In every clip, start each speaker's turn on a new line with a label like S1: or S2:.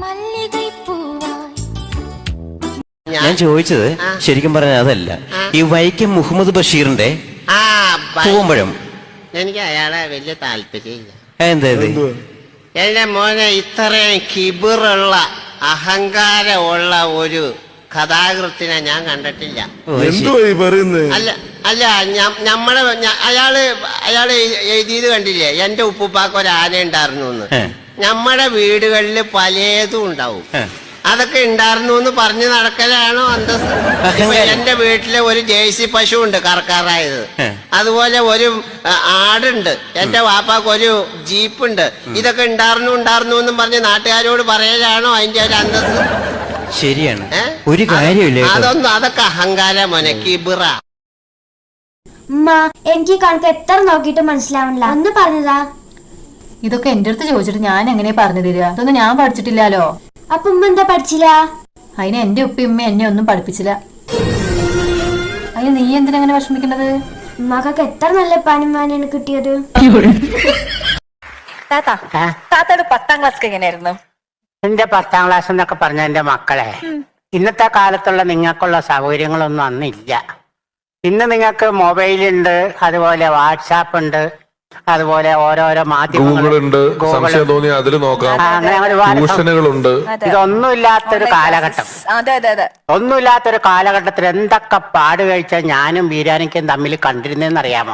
S1: ഞാൻ ചോദിച്ചത് ശരിക്കും പറഞ്ഞ അതല്ല, ഈ വൈക്കം മുഹമ്മദ് ബഷീറിന്റെ പൂവമ്പഴം
S2: എനിക്ക് അയാളെ വലിയ താല്പര്യമില്ല.
S1: എന്തായത്?
S2: എന്റെ മോനെ ഇത്രയും കിബിറുള്ള അഹങ്കാരമുള്ള ഒരു കഥാകൃത്തിനെ ഞാൻ കണ്ടിട്ടില്ല. അല്ല അല്ല അയാള് എഴുതിയത് കണ്ടില്ലേ, എന്റെ ഉപ്പുപ്പാക്ക് ഒരു ആന ഉണ്ടായിരുന്നു എന്ന്. നമ്മുടെ വീടുകളിൽ പലതും ഉണ്ടാവും, അതൊക്കെ ഉണ്ടായിരുന്നു എന്ന് പറഞ്ഞു നടക്കലാണോ അന്തസ്? എന്റെ വീട്ടിലെ ഒരു ജേഴ്സി പശു ഉണ്ട് കറക്കാറായത്, അതുപോലെ ഒരു ആടുണ്ട്, എന്റെ വാപ്പാക്ക് ഒരു ജീപ്പുണ്ട്. ഇതൊക്കെ ഉണ്ടായിരുന്നു എന്നും പറഞ്ഞ് നാട്ടുകാരോട് പറയലാണോ അതിന്റെ ഒരു അന്തസ്?
S1: ശരിയാണ്, ഒരു കാര്യമില്ല.
S2: അതൊക്കെ അഹങ്കാരം മോനെ, കിബിറ.
S3: എനിക്ക് കണക്ക് എത്ര നോക്കിയിട്ട് മനസ്സിലാവണില്ല, ഒന്ന് പറഞ്ഞതാ.
S4: ഇതൊക്കെ എന്റെ അടുത്ത് ചോദിച്ചിട്ട് ഞാൻ എങ്ങനെ പറഞ്ഞു തരിക? ഇതൊന്നും ഞാൻ പഠിച്ചിട്ടില്ലല്ലോ.
S3: അപ്പൊ ഉമ്മ എന്താ പഠിച്ചില്ല?
S4: അതിന് എന്റെ ഉപ്പ ഉമ്മ എന്നെ ഒന്നും പഠിപ്പിച്ചില്ല. അതിന് നീ എന്തിനങ്ങനെ വിഷമിക്കുന്നത്?
S3: ഉമ്മക്കൊക്കെ എത്ര നല്ല പണിമാനാണ് കിട്ടിയത്.
S4: താത്തയുടെ 10ാം ക്ലാസ് എങ്ങനെയായിരുന്നു?
S2: എന്റെ 10ാം ക്ലാസ് എന്നൊക്കെ പറഞ്ഞ എന്റെ മക്കളെ, ഇന്നത്തെ കാലത്തുള്ള നിങ്ങൾക്കുള്ള സൗകര്യങ്ങളൊന്നും അന്നില്ല. ഇന്ന് നിങ്ങൾക്ക് മൊബൈലുണ്ട്, അതുപോലെ വാട്സാപ്പ് ഉണ്ട്, അതുപോലെ ഓരോരോ മാധ്യമങ്ങളുണ്ട്,
S5: സംശയം തോന്നി അതിൽ നോക്കാം, ട്യൂഷനുകളുണ്ട്.
S2: ഇതൊന്നുമില്ലാത്തൊരു കാലഘട്ടം, ഒന്നുമില്ലാത്തൊരു കാലഘട്ടത്തിൽ എന്തൊക്കെ പാട് കഴിച്ചാൽ ഞാനും ബീരാനിക്കും തമ്മിൽ കണ്ടിരുന്നേന്ന് അറിയാമോ?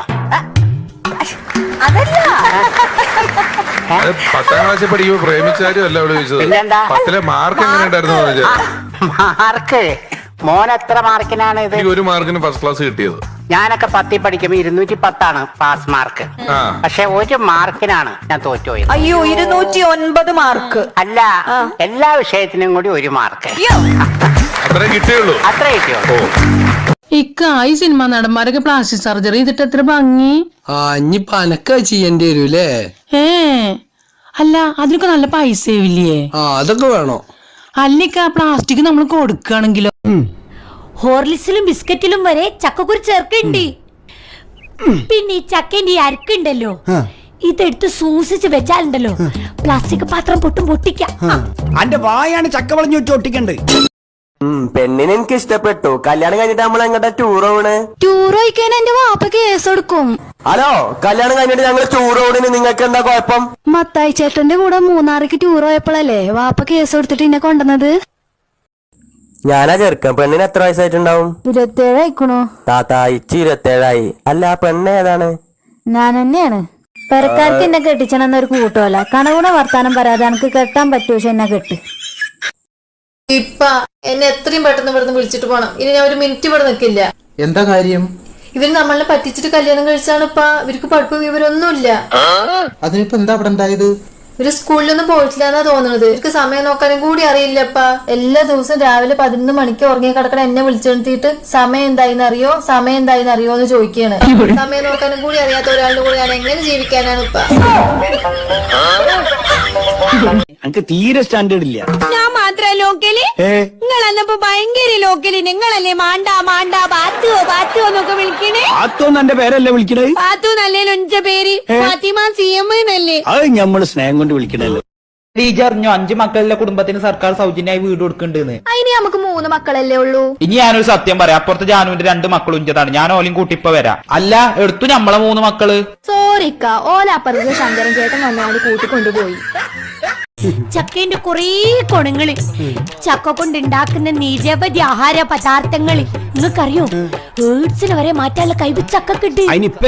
S5: 10ാം ക്ലാസ്സിൽ പഠിക്കുമ്പോ പ്രേമിച്ചാരും അല്ല അവിടെ ചോദിച്ചത്. 10ലെ മാർക്ക് എങ്ങനെ ഉണ്ടായിരുന്നു?
S2: മാർക്ക് മോൻ എത്ര മാർക്കിനാണ് ഇത്?
S5: ഒരു മാർക്കിന് ഫസ്റ്റ് ക്ലാസ് കിട്ടിയത്.
S2: ഞാനൊക്കെ 10ൽ പഠിക്കുമ്പോ 210 പാസ് മാർക്ക്. പക്ഷെ ഒരു മാർക്കിനാണ് ഞാൻ തോറ്റുപോയത്.
S4: അയ്യോ, 209 മാർക്ക്.
S2: അല്ല, എല്ലാ വിഷയത്തിനും കൂടി ഒരു മാർക്ക്.
S5: അത്രേ കിട്ടിയുള്ളൂ.
S6: ഈ സിനിമ നടന്മാരൊക്കെ പ്ലാസ്റ്റിക് സർജറി ചെയ്തിട്ട് എത്ര ഭംഗി.
S7: ഇനിയിപ്പൊ അനക്ക ചെയ്യേണ്ടി വരൂലേ?
S6: അല്ല, അതിനൊക്കെ നല്ല പൈസ ആവില്ലേ?
S7: അതൊക്കെ വേണോ?
S6: അല്ലിക്ക പ്ലാസ്റ്റിക് നമ്മൾ കൊടുക്കുകയാണെങ്കിലോ?
S3: ഹോർലിക്സിലും ബിസ്ക്കറ്റിലും വരെ ചക്കക്കുരു ചേർക്കണ്ട്. പിന്നെ ഈ ചക്കേന്റെ ഈ അരക്കുണ്ടല്ലോ, ഇതെടുത്ത് സൂക്ഷിച്ച് വെച്ചാലുണ്ടല്ലോ പ്ലാസ്റ്റിക് പാത്രം പൊട്ടിക്കാം.
S7: അന്റെ വായാണ് ചക്ക വളഞ്ഞു വെച്ച് ഒട്ടിക്കണ്ട്.
S1: പെണ്ണിനെ എനിക്ക് ഇഷ്ടപ്പെട്ടു. കല്യാണം കഴിഞ്ഞിട്ട് നമ്മൾ എങ്ങോട്ടാ ടൂർ പോണ്?
S3: ടൂർ പോയിക്കാൻ എന്റെ വാപ്പ കേസ് എടുക്കും.
S1: ഹലോ, കല്യാണം കഴിഞ്ഞിട്ട് ഞങ്ങൾ ടൂർ പോണിന് നിങ്ങൾക്ക് എന്താ കുഴപ്പം?
S3: മത്തായി ചേട്ടന്റെ കൂടെ മൂന്നാറിക്ക് ടൂർ പോയപ്പോഴല്ലേ വാപ്പ കേസ് കൊടുത്തിട്ട് എന്നെ കൊണ്ടുവന്നത്.
S1: ഞാനാ ചെറുക്കൻ. പെണ്ണിന് എത്ര വയസ്സായിട്ടുണ്ടാവും?
S3: 27 ആയിക്കണോ
S1: താത്ത? ഇച്ചി 27 അല്ല, ആ പെണ്ണ് ഏതാണ്?
S3: ഞാൻ തന്നെയാണ്. പെരക്കാർക്ക് എന്നെ കെട്ടിച്ചണെന്നൊരു കൂട്ടമല്ല, കണകൂടെ വർത്താനം പറയാതെ എനിക്ക് കെട്ടാൻ പറ്റുമോ? എന്നെ കെട്ട്.
S4: ഇപ്പ എന്നെ എത്രയും പെട്ടെന്ന് ഇവിടുന്ന് വിളിച്ചിട്ട് പോണം. ഇനി ഞാൻ ഒരു മിനിറ്റ് ഇവിടെ നിൽക്കില്ല.
S7: എന്താ കാര്യം?
S4: ഇവര് നമ്മളെ പറ്റിച്ചിട്ട് കല്യാണം കഴിച്ചാണ്. ഇപ്പ ഇവർക്ക് പഠിപ്പും വിവരമൊന്നുമില്ല.
S7: അതിനിപ്പോ എന്താ ഇവിടെ ഉണ്ടായത്?
S4: ഇവര് സ്കൂളിലൊന്നും പോയിട്ടില്ല എന്നാ തോന്നുന്നത്. ഇവർക്ക് സമയം നോക്കാനും കൂടി അറിയില്ലപ്പാ. എല്ലാ ദിവസവും രാവിലെ 11 മണിക്ക് ഉറങ്ങി കിടക്കണ എന്നെ വിളിച്ചെടുത്തിട്ട് സമയം എന്തായിന്ന് അറിയോ എന്ന് ചോദിക്കുകയാണ്. സമയം നോക്കാനും കൂടി അറിയാത്ത ഒരാളുടെ കൂടെ ഞാൻ എങ്ങനെ ജീവിക്കാനാണ് ഇപ്പ?
S7: എനിക്ക് തീരെ സ്റ്റാൻഡേർഡ് ഇല്ല.
S3: ഞാൻ മാത്രം ലോക്കല്, നിങ്ങളന്നപ്പോ ഭയങ്കര ലോക്കല്. നിങ്ങളല്ലേ മാണ്ടാ ബാത്തുവോ എന്നൊക്കെ വിളിക്കണേ.
S7: പാത്തോന്ന് എന്റെ പേരല്ലേ വിളിക്കണേ?
S3: പാത്തു നല്ലേ എന്റെ പേര് ഫാത്തിമ CM എന്നല്ലേ.
S7: അത് ഞമ്മള് സ്നേഹം കൊണ്ട് വിളിക്കണല്ലോ.
S8: ടീച്ചറിഞ്ഞു 5 മക്കളുടെ കുടുംബത്തിന് സർക്കാർ സൗജന്യമായി വീട് കൊടുക്കണ്ടെന്ന്.
S3: അതിന് നമുക്ക് 3 മക്കളല്ലേ ഉള്ളൂ.
S8: ഇനി ഞാനൊരു സത്യം പറയാം, അപ്പുറത്ത് ജാനുവിന്റെ 2 മക്കളും ഇഞ്ചതാണ്. ഞാൻ ഓലും കൂട്ടിപ്പോ വരാം. അല്ല, എടുത്തു നമ്മളെ 3 മക്കള്.
S3: സോറിക്ക, ഓലപ്പുറത്ത് ശങ്കരൻ ചേട്ടൻ വന്നാല് കൂട്ടിക്കൊണ്ടുപോയി. ചക്കേന്റെ കുറേ ഗുണങ്ങള്, ചക്ക കൊണ്ടുണ്ടാക്കുന്ന നിരവധി ആഹാര പദാർത്ഥങ്ങള് നിങ്ങൾക്കറിയോ? എയ്ഡ്സിന് വരെ മാറ്റാനുള്ള കഴിവ് ചക്കക്കുണ്ട്.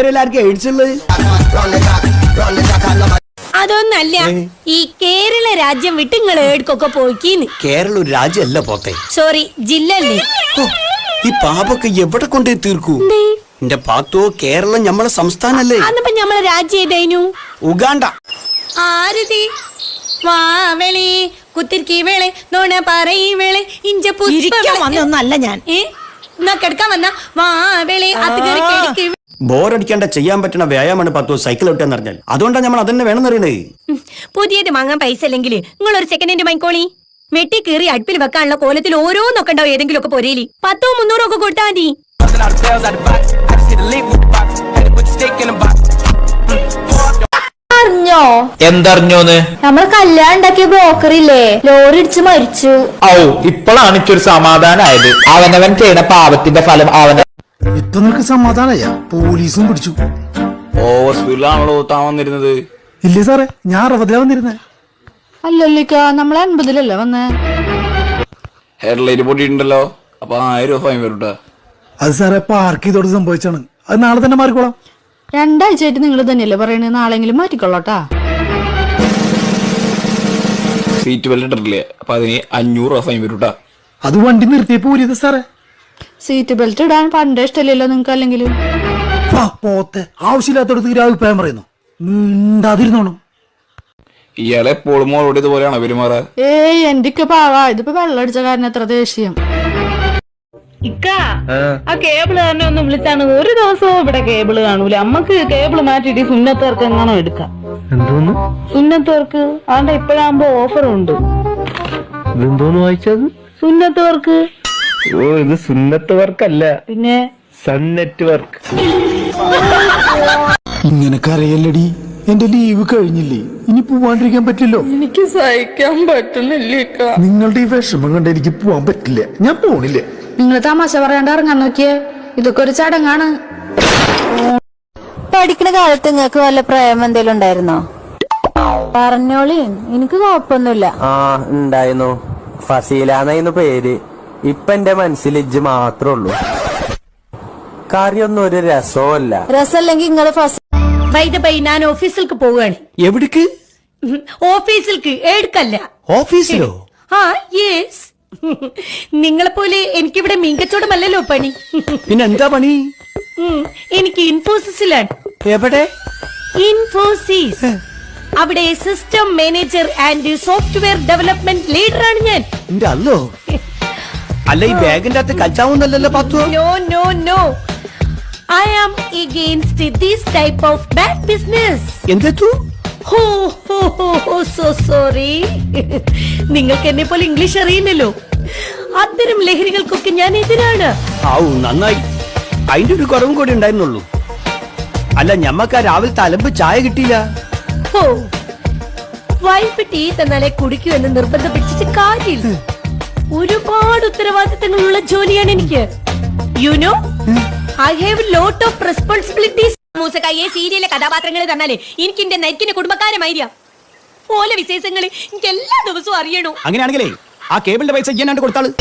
S3: അതൊന്നല്ല, ഈ കേരള രാജ്യം വിട്ട് നിങ്ങൾ ഏടുക്കൊക്കെ പോയിക്കീന്ന്.
S7: കേരള ഒരു രാജ്യമല്ല പോത്തെ,
S3: സോറി, ജില്ല അല്ലേ.
S7: ഈ പാപൊക്കെ എവിടെ കൊണ്ടേ തീർക്കൂ? എന്റെ പാത്തോ, കേരളം ഞമ്മളെ സംസ്ഥാനല്ലേ?
S3: അന്നിപ്പോ ഞമ്മളെ രാജ്യം ഏതായിരുന്നു?
S7: ഉഗാണ്ട.
S3: ആരതി വാവളി കുത്തിരിക്കി വേളെ നോണ പറയി വേളെ ഇഞ്ച വന്നൊന്നല്ല ഞാൻ. എന്നാ കിടക്കാൻ വന്ന വാവളി അത് കേറി.
S7: ബോറടിക്കാണ്ട ചെയ്യാൻ പറ്റുന്ന വ്യായാമമാണ് പത്തോ സൈക്കിൾ ഓട്ടാന്ന് പറഞ്ഞാൽ. അതുകൊണ്ടാണ് നമ്മൾ അതന്നെ വേണമെന്ന് അറിയണേ.
S3: പുതിയത് വാങ്ങാൻ പൈസ അല്ലെങ്കിൽ നിങ്ങൾ ഒരു സെക്കൻഡ് ഹാൻഡ് വാങ്ങിക്കോളി. വെട്ടി കീറി അടുപ്പിൽ വെക്കാനുള്ള കോലത്തിൽ ഓരോന്നൊക്കെ ഉണ്ടാവും ഏതെങ്കിലും ഒക്കെ പൊരയില്. 100 300 ഒക്കെ കൊടുത്താൽ മതി.
S4: അറിഞ്ഞോ അറിഞ്ഞോ?
S8: എന്തറിഞ്ഞോന്ന്?
S4: നമ്മള് കല്യാണം ഉണ്ടാക്കിയ ബ്രോക്കർ ഇല്ലേ, ലോറി ഇടിച്ച് മരിച്ചു.
S8: ഔ, ഇപ്പോഴാണ് എനിക്കൊരു സമാധാനായത്. അവനവൻ ചെയ്യണ പാപത്തിന്റെ ഫലം അവന.
S9: ഇപ്പൊ നിനക്ക് സമാധാനമായ? പോലീസും പിടിച്ചു.
S7: ഹോസ്പിറ്റലാണല്ലോ താൻ വന്നിരുന്നത്?
S9: ഇല്ലേ സാറേ, ഞാൻ 60 വന്നിരുന്നേ.
S6: അല്ലല്ലിക്ക, നമ്മളെ 80-ലല്ലേ വന്നേ?
S7: ഹെഡ്ലൈറ്റ് പൊട്ടിയിട്ടുണ്ടല്ലോ. അപ്പൊ 1000 രൂപ ഫൈൻ വരും ട്ടാ.
S9: അത് സാറേ പാർക്ക് ചെയ്തോട് സംഭവിച്ചാണ്. അത് നാളെ തന്നെ മാറിക്കോളാം.
S6: 2 ആഴ്ചയായിട്ട് നിങ്ങൾ തന്നെയല്ലേ പറയണേ, നാളെങ്കിലും മാറ്റിക്കൊള്ളട്ടാ.
S7: Seat belt ഇട്ടിട്ടില്ലേ? അപ്പൊ അതിന് 500 രൂപ ഫൈൻ വരും ട്ടാ.
S9: അത് വണ്ടി നിർത്തിയപ്പോ ഊരിയത് സാറേ.
S6: സീറ്റ് ബെൽറ്റ് ഇടാൻ പണ്ടേ ഇഷ്ടമല്ലല്ലോ നിങ്ങൾക്ക്. അല്ലെങ്കിലും
S9: പോത്തെ ആവശ്യമില്ലാത്തടത്ത് ഒരു അഭിപ്രായം പറയുന്നു. മിണ്ടാതിരുന്നോണം.
S7: ഇയാളെ എപ്പോഴും മോളോട് ഇതുപോലെയാണോ പെരുമാറാ?
S6: ഏയ് എന്റെയൊക്കെ പാവാ. ഇതിപ്പോ വെള്ളം അടിച്ച കാരണം എത്ര ദേഷ്യം.
S10: ഇക്ക, ആ കേബിള് തന്നെ ഒന്ന് വിളിച്ചാണ്. ഒരു ദിവസവും ഇവിടെ കേബിള് കാണൂല. അമ്മക്ക് കേബിള് മാറ്റിട്ട് സുന്നത്തേർക്ക് എങ്ങാണോ എടുക്കാം.
S1: എന്തോന്ന്
S10: സുന്നത്തേർക്ക് ആണ്ട ഇപ്പഴാകുമ്പോ ഓഫറുണ്ട്.
S1: ഇതെന്തോന്ന് വായിച്ചത്?
S10: സുന്നത്തേർക്ക്.
S1: ഓ, ഇത് സുന്നത്ത് വർക്കല്ല,
S10: പിന്നെ
S1: സൺ നെറ്റ്വർക്ക്.
S9: ഇങ്ങനെ കരയല്ലടി, എന്റെ ലീവ് കഴിഞ്ഞില്ലേ, ഇനി പോവാണ്ടിരിക്കാൻ പറ്റില്ലോ.
S10: എനിക്ക് സഹിക്കാൻ പറ്റുന്നില്ല.
S9: നിങ്ങളുടെ ഈ വിഷമം കണ്ട് എനിക്ക് പോവാൻ പറ്റില്ല. ഞാൻ പോണില്ല.
S6: നിങ്ങൾ തമാശ പറയാണ്ട് ഇറങ്ങാൻ നോക്കിയേ. ഇതൊക്കെ ഒരു ചടങ്ങാണ്.
S4: പഠിക്കുന്ന കാലത്ത് നിങ്ങൾക്ക് വല്ല പ്രേമം എന്തെങ്കിലും ഉണ്ടായിരുന്നോ? പറഞ്ഞോളി, എനിക്ക് കുഴപ്പമൊന്നുമില്ല.
S1: ആ, ഉണ്ടായിരുന്നു. ഫസീലാന്നായിരുന്നു പേര്. ഇപ്പൊ എന്റെ മനസ്സിൽ ഇജ്ജ് മാത്രമേ ഉള്ളൂ. കാര്യമൊന്നും ഒരു രസമല്ല.
S4: രസമല്ലെങ്കിൽ നിങ്ങള് ഫസ്റ്റ്
S3: വൈദബൈ, ഞാൻ ഓഫീസിലേക്ക് പോവുകയാണ്.
S7: എവിടേക്ക്?
S3: ഓഫീസിലേക്ക്, എടുക്കല്ല.
S7: ഓഫീസിലോ?
S3: ആ, യെസ്. നിങ്ങളെ പോലെ എനിക്കിവിടെ മീൻകച്ചവടമല്ലല്ലോ പണി.
S7: പിന്നെ എന്താ പണി?
S3: എനിക്ക് ഇൻഫോസിസിലാണ്.
S7: എവിടെ?
S3: ഇൻഫോസിസ്. അവിടെ system manager and software development ലീഡറാണ് ഞാൻ.
S7: എന്റെ അല്ലോ. അല്ല, ഈ ബാഗിന്റെ അകത്ത് കച്ചാവുന്നല്ലോ പത്തു.
S3: No no no, I am against this type of bad business.
S7: എന്തെത്തു?
S3: ഹോ ഹോ ഹോ, സോ സോറി. നിങ്ങൾക്ക് എന്നെ പോലെ ഇംഗ്ലീഷ് അറിയില്ലല്ലോ. അത്തരം ലഹരികൾക്കൊക്കെ ഞാൻ എതിരാണ്.
S7: ആവു, നന്നായി. അതിന്റെ ഒരു കുറവും കൂടി ഉണ്ടായിരുന്നുള്ളൂ. അല്ല, ഞമ്മക്ക് രാവിലെ തലമ്പ് ചായ കിട്ടിയില്ല.
S3: ഹോ, വൈഫ് ടീ തന്നാലേ കുടിക്കൂ എന്ന് നിർബന്ധം പിടിച്ചിട്ട് കാര്യമില്ല. ഒരുപാട് ഉത്തരവാദിത്തങ്ങളുള്ള ജോലിയാണ് എനിക്ക്. You know, I have lot of responsibilities. മൂസക്കായെ സീരിയലിലെ കഥാപാത്രങ്ങൾ തന്നാലേ എനിക്ക് എന്റെ നെറ്റിന്റെ കുടുംബക്കാരമായിരിക്കാം. ഓല വിശേഷങ്ങൾ എനിക്ക് എല്ലാ ദിവസവും അറിയണോ.
S7: അങ്ങനെയാണെങ്കിലേ ആ കേബിളിന്റെ പൈസ ചെയ്യാനാണ്ട് കൊടുത്താള്.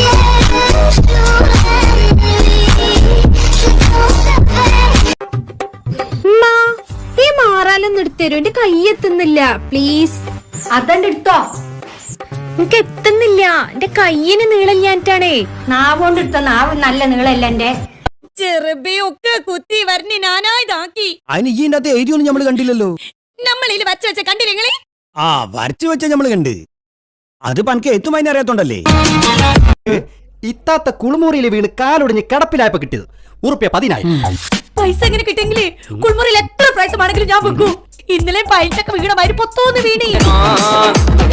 S3: ഈ മാറാലൊന്നും എടുത്തരൂ, എന്റെ കൈ എത്തുന്നില്ല. പ്ലീസ് അതണ്ട് എടുത്തോ. എനിക്ക് എത്തുന്നില്ല, എന്റെ കയ്യിന് നീളല്ലാഞ്ഞിട്ടാണേ. നാവോണ്ട് എടുത്ത നാവ് നല്ല നീളല്ല എന്റെ. ചെറുബിയൊക്കെ കുത്തി വരഞ്ഞ് ഞാനായതാക്കി.
S7: അതിന് ഈ അകത്ത് എഴുതിയൊന്നും നമ്മള് കണ്ടില്ലല്ലോ.
S3: നമ്മളിൽ വച്ച വെച്ച കണ്ടില്ലേ?
S7: ആ, വരച്ചു വെച്ച നമ്മള് കണ്ട്. അത് പനക്ക് എത്തും അതിനെ അറിയാത്തോണ്ടല്ലേ. ഇത്താത്ത കുളിമുറിയിൽ വീണ് കാലൊടിഞ്ഞ് കിടപ്പിലായപ്പോ കിട്ടിയത് ₹10,000.
S3: പൈസ എങ്ങനെ കിട്ടിയെങ്കിലേ കുളിമുറിയിൽ എത്ര പ്രാവശ്യമാണെങ്കിലും ഞാൻ വെക്കൂ. ഇന്നലെ പൈസക്ക് വീണമാതിരി പൊത്തോന്ന് വീണേ.